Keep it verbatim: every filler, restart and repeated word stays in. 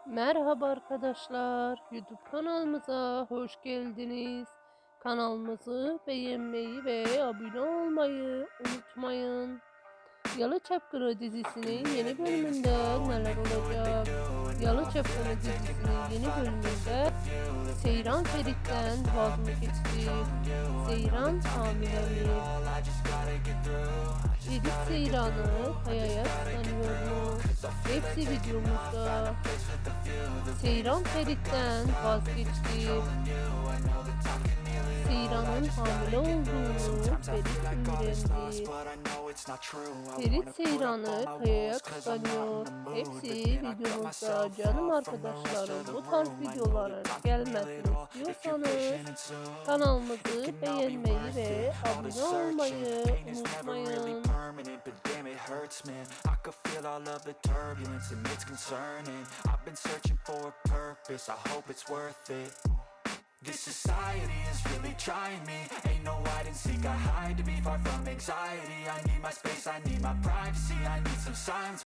Merhaba arkadaşlar, YouTube kanalımıza hoş geldiniz. Kanalımızı beğenmeyi ve abone olmayı unutmayın. Yalı Çapkını dizisinin yeni bölümünde neler olacak? Yalı Çapkını dizisinin yeni bölümünde Seyran Ferit'ten vaz mı geçti? Seyran hamile mi? Ferit Seyran'ı Kaya'ya kıskanıyor mu? Hepsi videomuzda. Seyran Ferit'ten vazgeçti. Seyran'ın hamile olduğunu Ferit öğrendi. Ferit Seyran'ı Kaya'ya kıskanıyor. Hepsi videomuzda. Canım arkadaşlarım, bu tarz videoların gelmesini istiyorsanız kanalımızı beğenmeyi ve abone olmayı unutmayın. I could feel all of the turbulence and it's concerning. I've been searching for a purpose, I hope it's worth it. This society is really trying me. Ain't no hide and seek, I hide to be far from anxiety. I need my space, I need my privacy. I need some silence